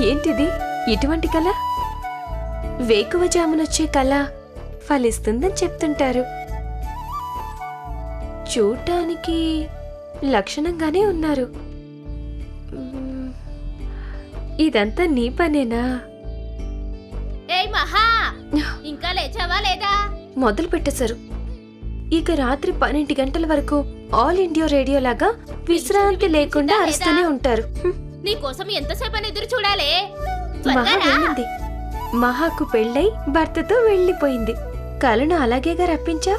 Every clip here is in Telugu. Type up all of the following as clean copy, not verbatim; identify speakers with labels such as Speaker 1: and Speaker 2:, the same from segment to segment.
Speaker 1: ఏంటిది? ఇటువంటి కళ? వేకువజామునొచ్చే కళ ఫలిస్తుందని చెప్తుంటారు. చూడటానికి లక్షణంగానే ఉన్నారు. ఇదంతా నీ పనేనా?
Speaker 2: ఏయ్ మహా, ఇంకా లేచావా లేదా?
Speaker 1: మొదలు పెట్టేశారు. ఇక రాత్రి 12 గంటల వరకు ఆల్ ఇండియా రేడియో లాగా విశ్రాంతి లేకుండా అరుస్తూనే ఉంటారు.
Speaker 2: నీకోసం ఎంతసేపని ఎదురు చూడాలి?
Speaker 1: మహా వెళ్ళింది. మహాకు పెళ్ళై భర్తతో వెళ్ళిపోయింది. కలను అలాగేగా రప్పించా.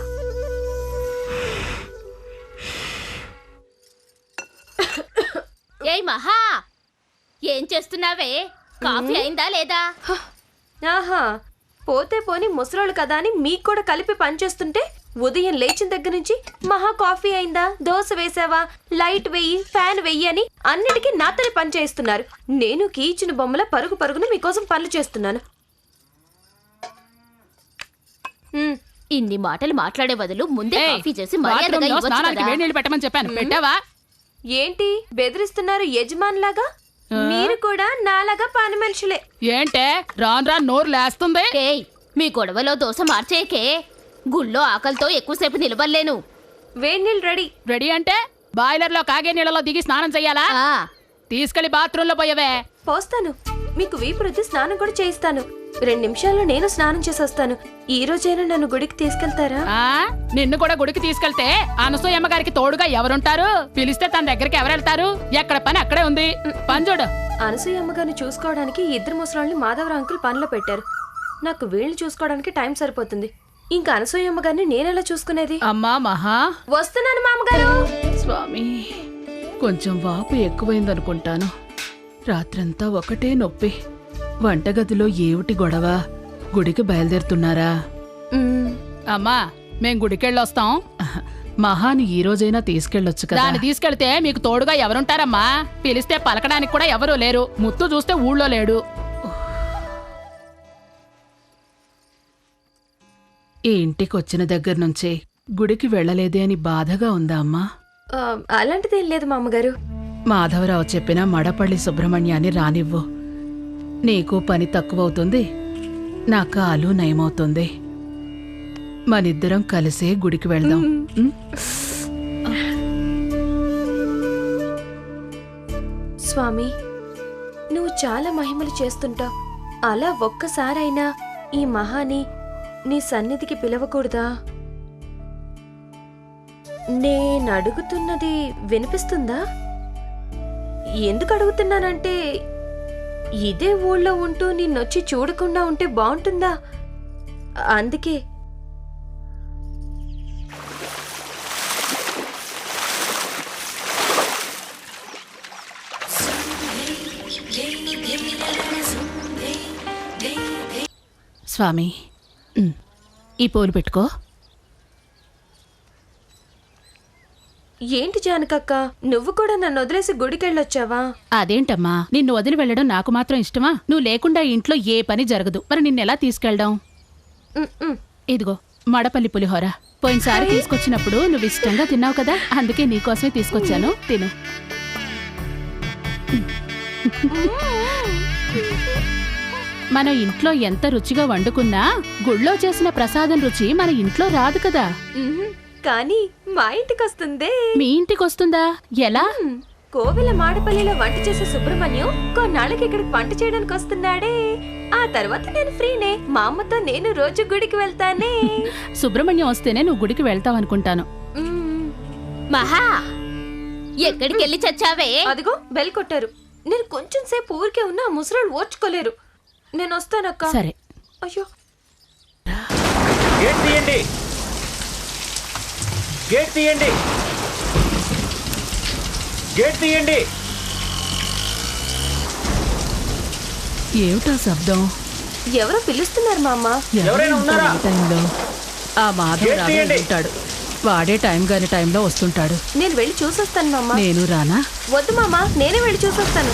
Speaker 2: ఏయ్ మహా, ఏం చేస్తున్నావే? కాఫీ అయిందా లేదా?
Speaker 1: ఆహా, పోతే పోని ముసలోళ్ళు కదా అని మీకు కూడా కలిపి పనిచేస్తుంటే ఉదయం లేచిన దగ్గర నుంచి మహా కాఫీ అయిందా, దోశ వేసావా, లైట్ వెయ్యి, ఫ్యాన్ వెయ్యి అని అన్నిటికీ నాతోనే పని చేస్తున్నారు. నేను కీచిన బొమ్మల పరుగు పరుగున మీకోసం పనులు చేస్తున్నాను.
Speaker 2: ఇన్ని మాటలు మాట్లాడే బదులు ముందే కాఫీ చేసి మర్యాదగా ఇవ్వచ్చు కదా.
Speaker 3: వేడి నీళ్ళు పెట్టమని చెప్పాను, పెట్టావా?
Speaker 1: ఏంటి బెదిరిస్తున్నారు యజమానులాగా? మీరు కూడా నాలాగా పని మనుషులే.
Speaker 3: ఏంటే రాను రాను నోరు లేస్తుంది?
Speaker 2: ఏయ్, మీ గొడవలో దోశ మార్చేకే. గుళ్ళో ఆకలితో ఎక్కువసేపు నిలబడలేను.
Speaker 1: వేడి నీళ్ళు రెడీ.
Speaker 3: రెడీ అంటే బాయిలర్ లో కాగే నీళ్ళలో దిగి స్నానం చెయ్యాలా? తీసుకెళ్లి బాత్రూమ్ లో పోయవే.
Speaker 1: పోస్తాను. మీకు వీపు రుద్ది స్నానం కూడా చేయిస్తాను. 2 నిమిషాల్లో నేను స్నానం చేసొస్తాను. ఈ రోజైనా నన్ను గుడికి తీసుకెళ్తారా?
Speaker 3: నిన్ను కూడా గుడికి తీసుకెళ్తే అనసూయమ్మ గారికి తోడుగా ఎవరుంటారు? పిలిస్తే తన దగ్గరికి ఎవరెళ్తారు? ఎక్కడ పని అక్కడే ఉంది. పని చూడు.
Speaker 1: అనసూయమ్మ గారిని చూసుకోవడానికి 2 ముసలాళ్ళని మాధవరావు అంకుల్ పనిలో పెట్టారు. నాకు వీళ్ళని చూసుకోవడానికి టైం సరిపోతుంది. ఇంకా అనసూయమ్మ గారిని నేనెలా చూసుకునేది?
Speaker 3: అమ్మా మహా,
Speaker 1: వస్తున్నాను మామగారు.
Speaker 3: స్వామి, కొంచెం వాపు ఎక్కువైందనుకుంటాను. రాత్రంతా ఒకటే నొప్పి. వంటగదిలో ఏమిటి గొడవ? గుడికి బయలుదేరుతున్నారా? అమ్మా, మేం గుడికెళ్ళొస్తాం. మహాని ఈ రోజైనా తీసుకెళ్ళొచ్చు కదా. దాన్ని తీసుకెళ్తే మీకు తోడుగా ఎవరుంటారమ్మా? పిలిస్తే పలకడానికి కూడా ఎవరూ లేరు. ముత్తు చూస్తే ఊళ్ళో లేడు. ఈ ఇంటికొచ్చిన దగ్గర నుంచే గుడికి వెళ్ళలేదే అని బాధగా ఉందా అమ్మా?
Speaker 1: అలాంటిదేం లేదు మామగారు.
Speaker 3: మాధవరావు చెప్పిన మడపల్లి సుబ్రహ్మణ్యాన్ని రానివ్వు. నీకు పని తక్కువవుతుంది, నా కాలు నయమవుతుంది. మనిద్దరం కలిసే గుడికి వెళ్దాం.
Speaker 1: స్వామి, నువ్వు చాలా మహిమలు చేస్తుంటావు. అలా ఒక్కసారైనా ఈ మహాని నీ సన్నిధికి పిలవకూడదా? నేనడుగుతున్నది వినిపిస్తుందా? ఎందుకు అడుగుతున్నానంటే, ఇదే ఊళ్ళో ఉంటూ నిన్నొచ్చి చూడకుండా ఉంటే బాగుంటుందా? అందుకే.
Speaker 3: స్వామి, ఈ పూలు పెట్టుకో.
Speaker 1: ఏంటి జానకక్క, నువ్వు కూడా నన్ను వదిలేసి గుడికెళ్ళొచ్చావా?
Speaker 3: అదేంటమ్మా, నిన్ను వదిలి వెళ్ళడం నాకు మాత్రం ఇష్టమా? నువ్వు లేకుండా ఇంట్లో ఏ పని జరగదు. మరి నిన్నెలా తీసుకెళ్దాం? ఇదిగో మడపల్లి పులిహోర. పోయినసారి తీసుకొచ్చినప్పుడు నువ్వు ఇష్టంగా తిన్నావు కదా, అందుకే నీకోసమే తీసుకొచ్చాను. తిను. మనం ఇంట్లో ఎంత రుచిగా వండుకున్నా గుళ్ళో చేసిన ప్రసాదం రుచి మన ఇంట్లో రాదు కదా.
Speaker 1: కానీ మా ఇంటికొస్తుందే.
Speaker 3: మీ ఇంటికొస్తుందా? ఎలా?
Speaker 1: కోవెల మాడపల్లిలో వంట చేసే సుబ్రహ్మణ్యం కొన్నాళ్ళకి ఇక్కడికి వంట చేయడానికి వస్తున్నాడే. ఆ తర్వాత నేను ఫ్రీనే. మా అమ్మతో నేను రోజు గుడికి వెళ్తానే.
Speaker 3: సుబ్రహ్మణ్యం వస్తేనే నువ్వు గుడికి వెళ్తావనుకుంటాను.
Speaker 2: మహా, ఎక్కడికి వెళ్ళి చచ్చావే?
Speaker 1: అదిగో బెల్ కొట్టారు. నేను కొంచెం సేపు ఊరికే ఉన్నా ముసరాళ్ళు ఓర్చుకోలేరు. నేను వస్తానక్క.
Speaker 3: సరే.
Speaker 1: అయ్యో,
Speaker 4: గేట్ తీయండి, గేట్ తీయండి, గేట్ తీయండి.
Speaker 3: ఏమిటా శబ్దం?
Speaker 1: ఎవరో పిలుస్తున్నారు మా అమ్మ.
Speaker 4: ఎవరైనా ఉన్నారా?
Speaker 3: టైంలో ఆ మాధవ్ ఉంటాడు. వాడే టైం గాని టైంలో వస్తుంటాడు.
Speaker 1: నేను వెళ్ళి చూసొస్తాను మామ.
Speaker 3: నేను రానా?
Speaker 1: వద్దు మామ, నేనే వెళ్ళి చూసొస్తాను.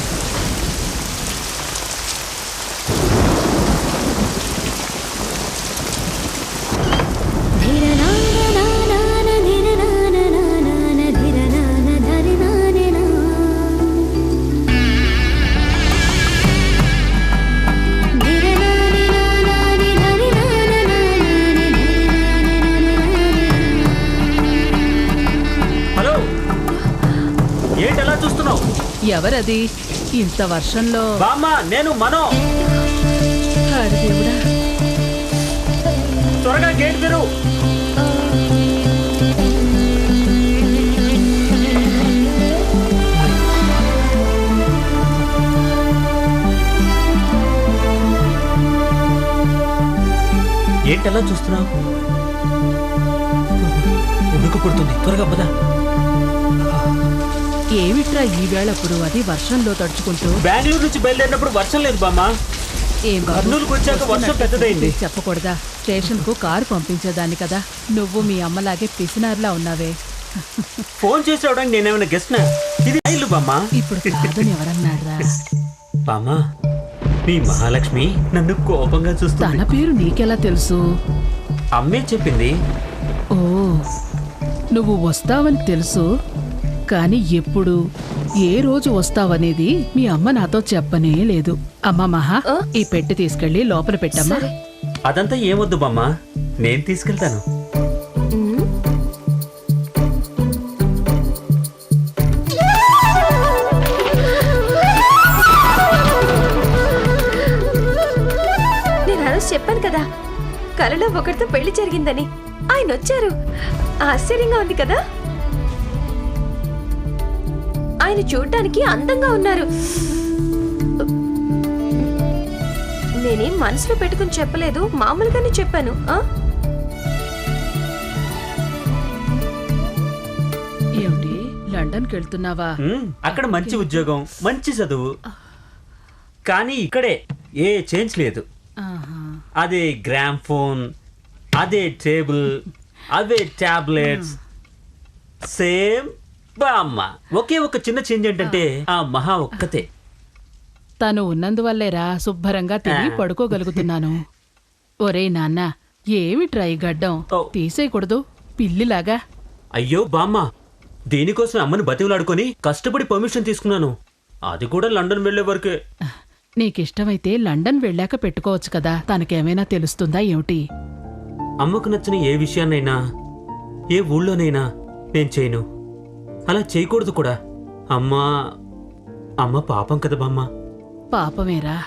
Speaker 3: ఎవరది ఇంత వర్షంలో?
Speaker 4: బామ్మ నేను మనో.
Speaker 3: అరే దేవుడా,
Speaker 4: త్వరగా గేట్ తెరు. ఏంటలా చూస్తున్నావు? ఉడుకు పుడుతుంది, త్వరగా పదా.
Speaker 3: ఏమిట్రా ఈవేళప్పుడు అది వర్షంలో తడుచుకుంటూ?
Speaker 4: బెంగళూరు నుంచి బయలుదేరినప్పుడు వర్షం లేదు బామ్మ.
Speaker 3: ఏం బాబు,
Speaker 4: కర్నూలుకు వచ్చాక వర్షం పెద్దదైంది.
Speaker 3: చెప్పకూడదా? స్టేషన్ కు కారు పంపించేదాన్ని కదా. నువ్వు మీ అమ్మలాగే పిసినారులా ఉన్నావే.
Speaker 4: ఫోన్ చేసి రావడానికి నేనేమైనా గెస్ట్నా? ఇది ఇల్లు బామ్మ.
Speaker 3: ఇప్పుడు కాదని ఎవరన్నారా?
Speaker 4: బామ్మ, మీ మహాలక్ష్మి నన్ను కోపంగా
Speaker 3: తన
Speaker 4: చూస్తుంది.
Speaker 3: పేరు నీకెలా తెలుసు?
Speaker 4: అమ్మే చెప్పింది.
Speaker 3: ఓ, నువ్వు వస్తావని తెలుసు, కానీ ఎప్పుడు ఏ రోజు వస్తావనేది మీ అమ్మ నాతో చెప్పనే లేదు. అమ్మ మహా, ఈ పెట్టి తీసుకెళ్లి లోపల పెట్టమ్మా.
Speaker 4: అదంతా ఏమొద్దు బామ్మ, నేను తీసుకెళ్తాను.
Speaker 1: నేను ఆ రోజు చెప్పాను కదా, కలలో ఒకరితో పెళ్లి జరిగిందని. ఆయన వచ్చారు. ఆశ్చర్యంగా ఉంది కదా. ఆయన చూడటానికి అందంగా ఉన్నారు. నేనేం మనసులో పెట్టుకుని చెప్పలేదు, మామూలుగానే చెప్పాను.
Speaker 3: ఏమిటి, లండన్కి వెళ్తున్నావా?
Speaker 4: అక్కడ మంచి ఉద్యోగం, మంచి చదువు, కానీ ఇక్కడే ఏ చేంజ్ లేదు.
Speaker 3: ఆహా.
Speaker 4: అదే గ్రామ్ ఫోన్, అదే టేబుల్, అవే టాబ్లెట్స్, సేమ్ బామ్మ. ఒకే ఒక చిన్న చేంజ్ ఏంటంటే ఆ మహా ఒక్కతే.
Speaker 3: తను ఉన్నందువల్లేరా శుభ్రంగా తిని పడుకోగలుగుతున్నాను. ఒరేయ్ నాన్న, ఏమిట్రా ఈ గడ్డం?
Speaker 4: ఓ.
Speaker 3: తీసేయకూడదు పిల్లిలాగా.
Speaker 4: అయ్యో బామ్మ, దీనికోసం అమ్మని బతివులాడుకొని కష్టపడి పర్మిషన్ తీసుకున్నాను. అది కూడా లండన్ వెళ్లే వరకే.
Speaker 3: నీకిష్టమైతే లండన్ వెళ్ళాక పెట్టుకోవచ్చు కదా. తనకేమైనా తెలుస్తుందా ఏమిటి?
Speaker 4: అమ్మకు నచ్చిన ఏ విషయాన్నైనా ఏ ఊళ్ళోనైనా నేను చేయను. అలా చేయకూడదు కూడా. అమ్మ పాపం కదా బామ్మ.
Speaker 3: పాపమేరా,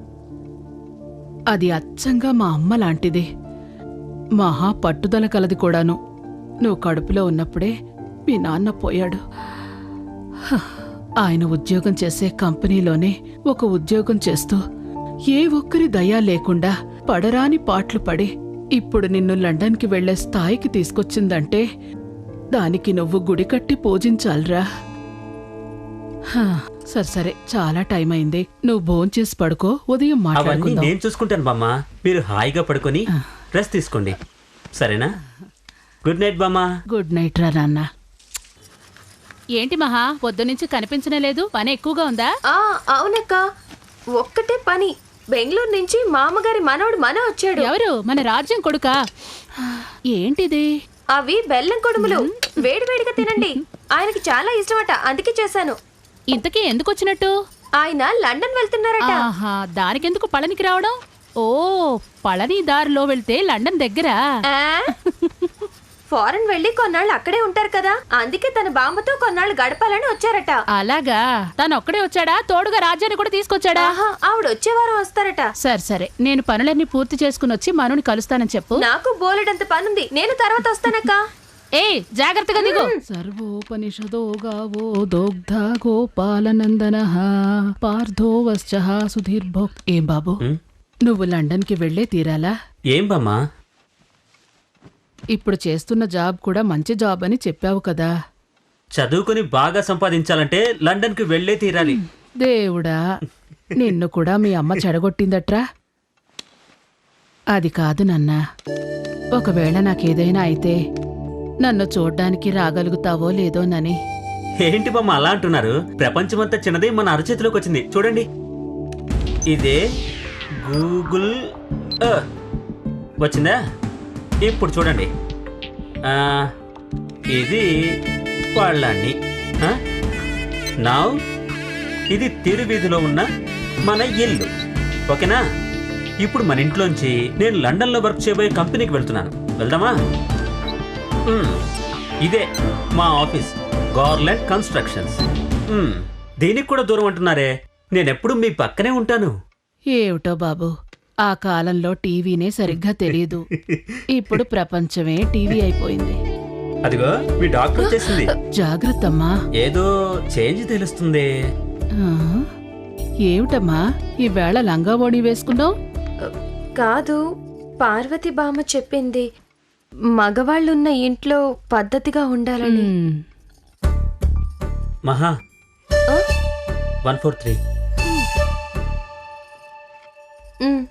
Speaker 3: అది అచ్చంగా మా అమ్మ లాంటిది. మహా పట్టుదల కలది కూడాను. నువ్వు కడుపులో ఉన్నప్పుడే మీ నాన్న పోయాడు. హ, ఆయన ఉద్యోగం చేసే కంపెనీలోనే ఒక ఉద్యోగం చేస్తూ ఏ ఒక్కరి దయా లేకుండా పడరాని పాట్లు పడి ఇప్పుడు నిన్ను లండన్కి వెళ్లే స్థాయికి తీసుకొచ్చిందంటే దానికి నువ్వు గుడి కట్టి పూజించాలిరా. హ, సరే చాలా టైం అయింది. నువ్వు భోంచేసి పడుకో, ఉదయం
Speaker 4: అవన్నీ
Speaker 3: మాట్లాడుకుందాం.
Speaker 4: నేను చూసుకుంటాను బామ్మ. మీరు హాయిగా పడుకొని రెస్ట్ తీసుకోండి, సరేనా? గుడ్ నైట్ బామ్మ.
Speaker 3: గుడ్ నైట్ రా నాన్న.
Speaker 2: ఏంటి మహా, పొద్దునుంచి కనిపించనే లేదు? పని ఎక్కువగా ఉందా?
Speaker 1: అవునక్క, ఒక్కటే పని. బెంగళూరు నుంచి మామగారి మనవడు వచ్చాడు.
Speaker 2: ఎవరు? మన రాజ్యం కొడుకా? ఏంటిది?
Speaker 1: అవి బెల్లం కొడుములు. వేడివేడిగా తినండి. ఆయనకి చాలా ఇష్టమట, అందుకే చేశాను.
Speaker 2: ఇంతకీ ఎందుకు వచ్చినట్టు?
Speaker 1: ఆయన లండన్ వెళ్తున్నారట.
Speaker 2: ఆహా, దానికెందుకు పళనికి రావడం? ఓ, పళని దారిలో వెళ్తే లండన్ దగ్గరా?
Speaker 1: ఫారెన్ వెళ్ళి కొన్నాళ్ళు అక్కడే ఉంటారు కదా, అందుకే తన బామ్మతో కొన్నాళ్ళు గడపాలని వచ్చారట.
Speaker 2: అలాగా? తను ఒక్కడే వచ్చాడా? తోడుగా రాజ్యాన్ని కూడా తీసుకొచ్చాడా?
Speaker 1: ఆవిడ వచ్చే వారం వస్తారట.
Speaker 2: సరే, నేను పనులన్నీ పూర్తి చేసుకుని వచ్చి మనుని కలుస్తానని చెప్పు.
Speaker 1: నాకు బోలెడంత పనుంది, నేను తర్వాత వస్తానక్క.
Speaker 2: ఏ, జాగ్రత్తగా దిగు.
Speaker 3: సర్వోపనిషదో గావో దోగ్ధ గోపాలనందన పార్థో వశ్చ సుధీర్భో. ఏం బాబు, నువ్వు లండన్కి వెళ్లే తీరాలా?
Speaker 4: ఏం బామ్మ?
Speaker 3: ఇప్పుడు చేస్తున్న జాబ్ కూడా మంచి జాబ్ అని చెప్పావు కదా.
Speaker 4: చదువుకుని బాగా సంపాదించాలంటే లండన్కి వెళ్లే తీరాలి.
Speaker 3: దేవుడా, నిన్ను కూడా మీ అమ్మ చెడగొట్టిందట్రా? అది కాదు నాన్నా, ఒకవేళ నాకేదైనా అయితే నన్ను చూడ్డానికి రాగలుగుతావో లేదోనని.
Speaker 4: ఏంటి బామ్మ అలా అంటున్నారు? ప్రపంచమంతా చిన్నది మన అరచేతిలోకి వచ్చింది. చూడండి, ఇదే గూగుల్ ఎర్త్. వచ్చిందా? ఇప్పుడు చూడండి, ఇది వాళ్ళని. నౌ ఇది తిరువీధిలో ఉన్న మన ఇల్లు. ఓకేనా? ఇప్పుడు మన ఇంట్లోంచి నేను లండన్లో వర్క్ చేయబోయే కంపెనీకి వెళ్తున్నాను. వెళ్దామా? ఇదే మా ఆఫీస్, గార్లాండ్ కన్స్ట్రక్షన్స్. దీనికి కూడా దూరం అంటున్నారే. నేనెప్పుడు మీ పక్కనే ఉంటాను.
Speaker 3: ఏమిటో బాబు, ఆ కాలంలో టీవీనే సరిగ్గా తెలియదు. ఇప్పుడు ప్రపంచమే టీవీ అయిపోయింది.
Speaker 4: అదిగో మీ డాక్టర్ వచ్చేసింది.
Speaker 3: జాగ్రత్తమ్మా.
Speaker 4: ఏదో చేంజ్ తెలుస్తుంది.
Speaker 3: ఆ, ఏమిటమ్మా ఈవేళ లంగా ఓణి వేసుకున్నావు?
Speaker 1: కాదు, పార్వతి బామ్మ చెప్పింది మగవాళ్ళున్న ఇంట్లో పద్ధతిగా ఉండాలని.
Speaker 4: మహా
Speaker 1: ఆ?
Speaker 4: 143.
Speaker 1: ఉమ్,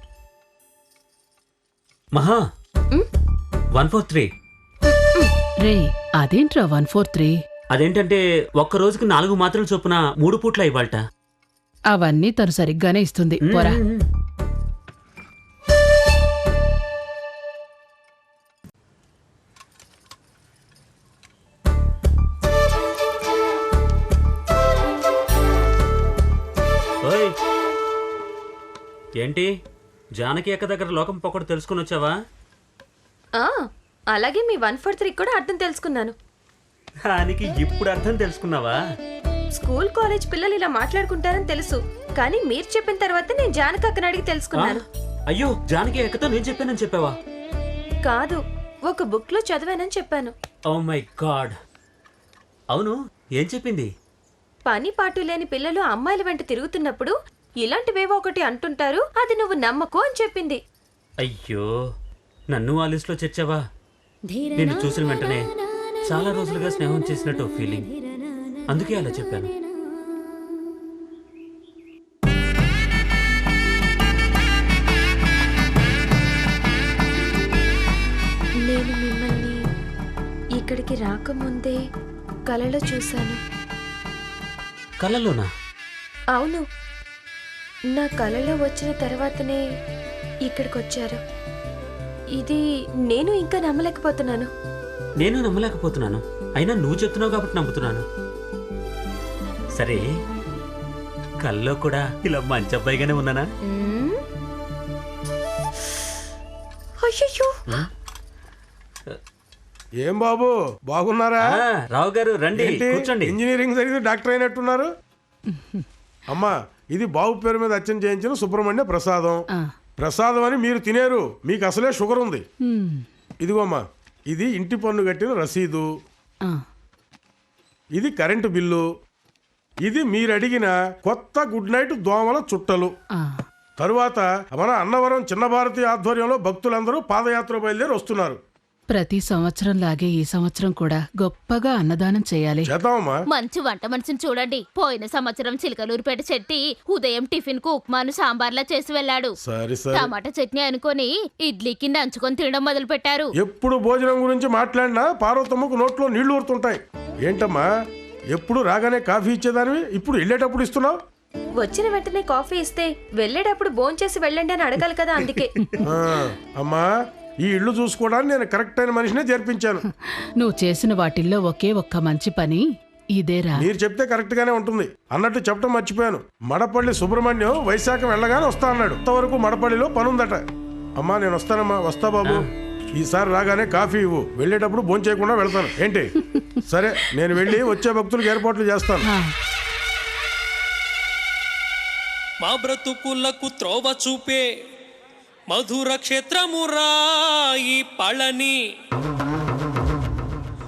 Speaker 4: మహా 143.
Speaker 3: రే, అదేంట్రా 143?
Speaker 4: అదేంటంటే ఒక్క రోజుకి 4 మాత్రలు చొప్పున 3 పూట్ల ఇవ్వాలట.
Speaker 3: అవన్నీ తను సరిగ్గానే ఇస్తుంది. పోరా.
Speaker 4: ఓయ్ ఏంటి జానకి అక్క దగ్గర లోకం పొక్కడు తెలుసుకుని వచ్చావా?
Speaker 1: ఆ, అలాగే మీ 143 కూడా అర్థం తెలుసుకున్నాను.
Speaker 4: దానికి ఇప్పుడు అర్థం తెలుసుకున్నావా?
Speaker 1: స్కూల్ కాలేజ్ పిల్లలు ఇలా మాట్లాడుకుంటారని తెలుసు, కానీ మీరు చెప్పిన తర్వాత నేను జానకక్కని అడిగి తెలుసుకున్నాను.
Speaker 4: అయ్యో, జానకి అక్కతో నేను చెప్పానని చెప్పావా?
Speaker 1: కాదు, ఒక బుక్ లో చదివానని చెప్పాను.
Speaker 4: Oh my God. అవును, ఏం చెప్పింది?
Speaker 1: పని పాటు లేని పిల్లలు అమ్మాయిల వెంట తిరుగుతున్నప్పుడు ఇలాంటివేవో ఒకటి అంటుంటారు, అది నువ్వు నమ్మకు అని చెప్పింది.
Speaker 4: అయ్యో, నన్ను ఆ లిస్ట్లో చేర్చావా? నేను చూసిన వెంటనే చాలా రోజులుగా స్నేహం చేసినట్టు ఫీలింగ్, అందుకే అలా చెప్పాను.
Speaker 1: నేను మిమ్మల్ని ఇక్కడికి రాకముందే కలలో చూశాను.
Speaker 4: కళ్ళలోనా?
Speaker 1: అవును, నా కలలో వచ్చిన తర్వాతనే ఇక్కడికి వచ్చారు. ఇది నేను ఇంకా నమ్మలేకపోతున్నాను.
Speaker 4: నేను నమ్మలేకపోతున్నాను. అయినా నువ్వు చెప్తున్నావు కాబట్టి నమ్ముతున్నాను. సరే, కల్లో కూడా ఇలా మంచి అబ్బాయిగానే ఉన్నానా?
Speaker 1: మ్మ్. అయ్యయ్యో,
Speaker 5: ఏం బాబు బాగున్నారా?
Speaker 4: రావు గారు రండి,
Speaker 5: ఏంటి,
Speaker 4: కూర్చోండి.
Speaker 5: ఇంజనీరింగ్ చదివి డాక్టర్ అయినట్టున్నారు. అమ్మా, ఇది బాబు పేరు మీద అచ్చం చేయించిన సుబ్రహ్మణ్య ప్రసాదం. ప్రసాదం అని మీరు తినేరు, మీకు అసలే షుగర్ ఉంది. ఇదిగోమ్మా, ఇది ఇంటి పన్ను కట్టిన రసీదు, ఇది కరెంటు బిల్లు, ఇది మీరు అడిగిన కొత్త గుడ్ నైట్ దోమల చుట్టలు. తరువాత మన అన్నవరం చిన్న భారతి ఆధ్వర్యంలో భక్తులందరూ పాదయాత్ర బయలుదేరి వస్తున్నారు.
Speaker 3: ప్రతి సంవత్సరం లాగే ఈ సంవత్సరం కూడా గొప్పగా అన్నదానం చేయాలి.
Speaker 5: చేద్దామమ్మా.
Speaker 2: మంచి వంట మనిషిని చూడండి. పోయిన సంవత్సరం చిలకలూరుపేట చెట్టి ఉదయం టిఫిన్ కు ఉప్మాను సాంబార్లా చేసి వెళ్ళాడు.
Speaker 5: సరే సరే,
Speaker 2: టమాటా చట్నీ అనుకొని ఇడ్లీకి నంచుకొని తినడం మొదలు పెట్టారు.
Speaker 5: ఎప్పుడు భోజనం గురించి మాట్లాడినా పార్వతమ్మకు నోట్లో నీళ్లు ఊరుతుంటాయి. ఏంటమ్మా, ఎప్పుడు రాగానే కాఫీ ఇచ్చేదానివి, ఇప్పుడు వెళ్ళేటప్పుడు ఇస్తున్నావు?
Speaker 1: వచ్చిన వెంటనే కాఫీ ఇస్తే వెళ్ళేటప్పుడు భోంచేసి వెళ్ళండి అని అడగాలి కదా, అందుకే.
Speaker 5: అమ్మా, ఈ ఇల్లు చూసుకోవడానికి నేను కరెక్ట్ అయిన మనిషినే చేర్పించాను.
Speaker 3: నువ్వు చేసిన వాటిల్లో ఒకే ఒక్క మంచి పని ఇదేరా.
Speaker 5: మీరు చెప్తే కరెక్ట్ గానే ఉంటుంది. అన్నట్టు చెప్పడం మర్చిపోయాను, మడపల్లి సుబ్రహ్మణ్యం వైశాఖం వెళ్ళగానే వస్తా అన్నాడు. అంతవరకు మడపల్లిలో పనుందట. అమ్మా, నేను వస్తానమ్మా. వస్తా బాబు. ఈసారి రాగానే కాఫీ ఇవ్వు, వెళ్ళేటప్పుడు భోంచేయకుండా వెళ్తాను. ఏంటి? సరే, నేను వెళ్ళి వచ్చే భక్తులకు ఏర్పాట్లు చేస్తాను.
Speaker 6: మా బ్రతుకులకు త్రోవ చూపే మధుర క్షేత్రమురా ఈ పళని.